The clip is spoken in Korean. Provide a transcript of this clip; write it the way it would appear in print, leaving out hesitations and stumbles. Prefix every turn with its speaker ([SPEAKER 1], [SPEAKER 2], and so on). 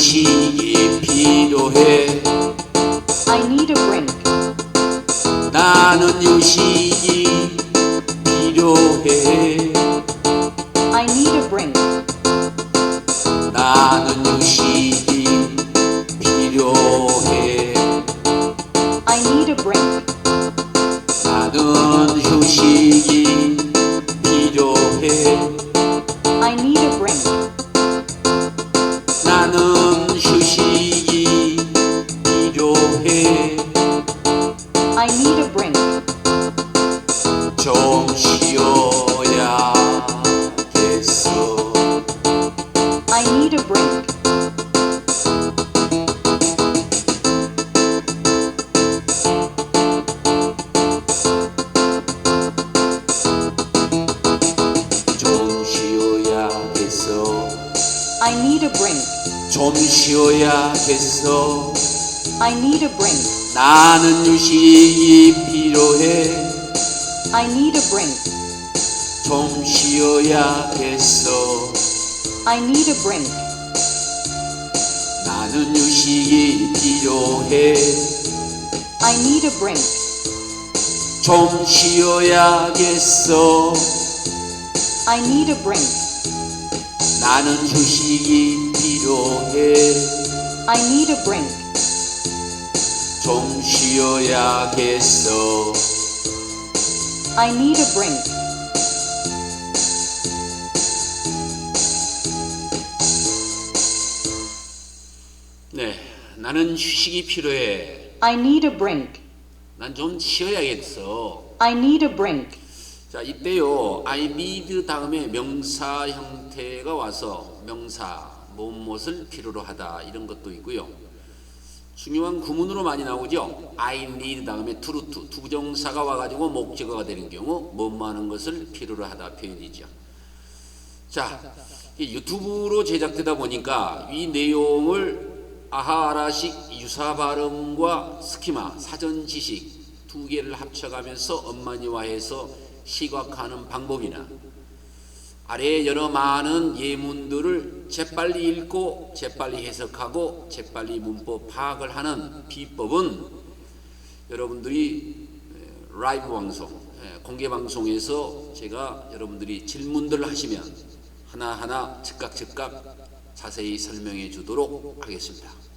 [SPEAKER 1] 휴식이 필요해.
[SPEAKER 2] I need a break.
[SPEAKER 1] 나는 휴식이 필요해.
[SPEAKER 2] I need a break.
[SPEAKER 1] 나는 휴식이 필요해.
[SPEAKER 2] I need a break.
[SPEAKER 1] 나는 휴식이 필요해.
[SPEAKER 2] I need a break.
[SPEAKER 1] 나는 휴식이 필요해.
[SPEAKER 2] I need a break.
[SPEAKER 1] 좀 쉬어야겠어.
[SPEAKER 2] I need a break.
[SPEAKER 1] 좀 쉬어야겠어.
[SPEAKER 2] I need a break.
[SPEAKER 1] 좀 쉬어야겠어.
[SPEAKER 2] I need a break.
[SPEAKER 1] 나는 휴식이 필요해.
[SPEAKER 2] I need a break.
[SPEAKER 1] 좀 쉬어야겠어.
[SPEAKER 2] I need a break.
[SPEAKER 1] 나는 휴식이 필요해.
[SPEAKER 2] I need a break.
[SPEAKER 1] 좀 쉬어야겠어.
[SPEAKER 2] I need a break.
[SPEAKER 1] 나는 휴식이 필요해.
[SPEAKER 2] I need a break.
[SPEAKER 1] 좀 쉬어야겠어.
[SPEAKER 2] I need a break.
[SPEAKER 1] 네, 나는 휴식이 필요해.
[SPEAKER 2] I need a break.
[SPEAKER 1] 난 좀 쉬어야겠어.
[SPEAKER 2] I need a break.
[SPEAKER 1] 자, 이때요, I need 다음에 명사 형태가 와서 명사, 무엇을 필요로 하다 이런 것도 있고요. 중요한 구문으로 많이 나오죠. I need 다음에 to 부정사가 와가지고 목적어가 되는 경우 뭐뭐 하는 것을 필요로 하다 표현이죠. 자, 유튜브로 제작되다 보니까 이 내용을 아하라식 유사 발음과 스키마, 사전 지식 두 개를 합쳐가면서 엄마니화해서 시각화하는 방법이나 아래에 여러 많은 예문들을 재빨리 읽고 재빨리 해석하고 재빨리 문법 파악을 하는 비법은 여러분들이 라이브 방송, 공개 방송에서 제가 여러분들이 질문들을 하시면 하나하나 즉각 자세히 설명해 주도록 하겠습니다.